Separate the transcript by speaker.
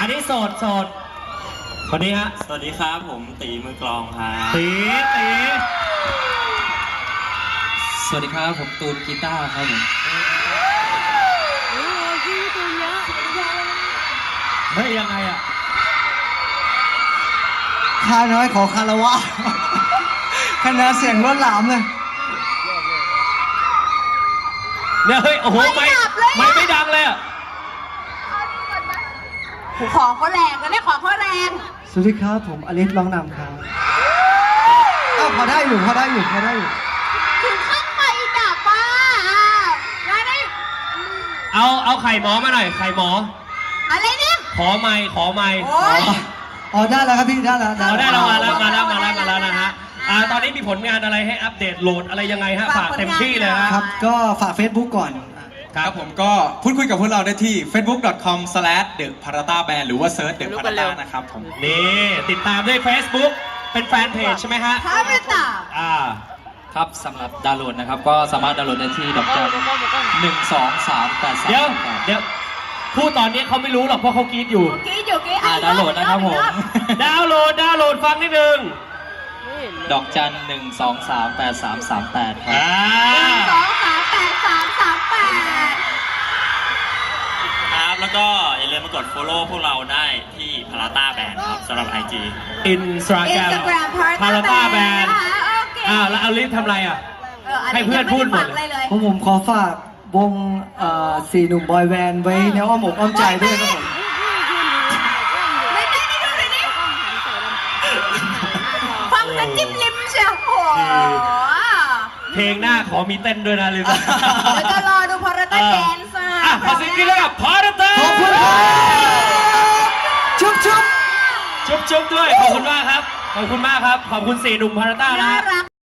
Speaker 1: นนี้โสดคนนี้ฮะ
Speaker 2: สวัสดีครับผมตีมือกลองครับ
Speaker 1: ตี
Speaker 3: สวัสดีครับผมตูนกีตาร์ครับผม
Speaker 4: พี่ตูนเยอะ
Speaker 1: ไม่ยังไงอ่ะ
Speaker 5: ข้าน้อยขอคารวะคะแนนเสียงล้นหลามเลย
Speaker 1: เนี่ยเฮ้ยโอ้โหไม่ดังเลยอ่ะ
Speaker 4: ของเขาแรงกันเนี่ยของเขาแรง
Speaker 5: สวัสดีครับผมอลิสร้องนำครับพอได้อยู่
Speaker 4: ถึงขั้นไปดับป้าแล้วนี่
Speaker 1: เอาไข่หมอมาหน่อยไข่หมอ
Speaker 4: อะไรเนี่ย
Speaker 1: ขอไมค์
Speaker 5: อ๋อได้แล้วครับพี่ได้แล้ว
Speaker 1: ได้แล้วมาแล้วนะฮะตอนนี้มีผลงานอะไรให้อัปเดตโหลดอะไรยังไงฮะฝากเต็มที่เลยครับ
Speaker 5: ก็ฝาก Facebook ก่อน
Speaker 3: ครับผมก็พูดคุยกับพวกเราได้ที่ facebook.com/theparata-band หรือว่าเซิร์ช The Parata นะครับผม
Speaker 1: นี่ติดตามด้วย Facebook เป็นแฟนเพจใช่ไหมฮะ
Speaker 4: Parata
Speaker 3: ครับสำหรับดาวน์โหลดนะครับก็สามารถดาวน์โหลดได้ที่ดอกจัน12383
Speaker 1: เดี๋ยวพูดตอนนี้เขาไม่รู้หรอกเพราะเขากรี๊ดอยู่
Speaker 3: ดาวน์โหลดนะครับผม
Speaker 1: ดาวน์โหลดฟังนิดนึง
Speaker 3: ดอกจัน1238338ครับ
Speaker 2: ครับแล้วก็อย่าลืมมากด follow พวกเราได้ที่ Parata Band ครับสำหรับ IG
Speaker 1: Instagram Parata Band แล้วเอาลิฟทำอะไรอ่ะให้เพื่อนพูดหมดเลย
Speaker 5: ผมขอฝากวงสี่หนุ่มบอยแบนด์ไว้ในอ้อมอกอ้อมใจด้วยครับผม
Speaker 4: ฟังแล้วจิ้มลิ้มเชียวโอ้
Speaker 1: เพลงหน้าขอมีเต้นด้วยนะลิฟ
Speaker 4: จะรอดูพาราต้าแดนซ์
Speaker 1: ขอสิ่งที่เรียกว่าพาราต้า
Speaker 5: ขอบคุณชุบ
Speaker 1: ด้วยขอบคุณมากครับขอบคุณ4หนุ่มพาราต้านะ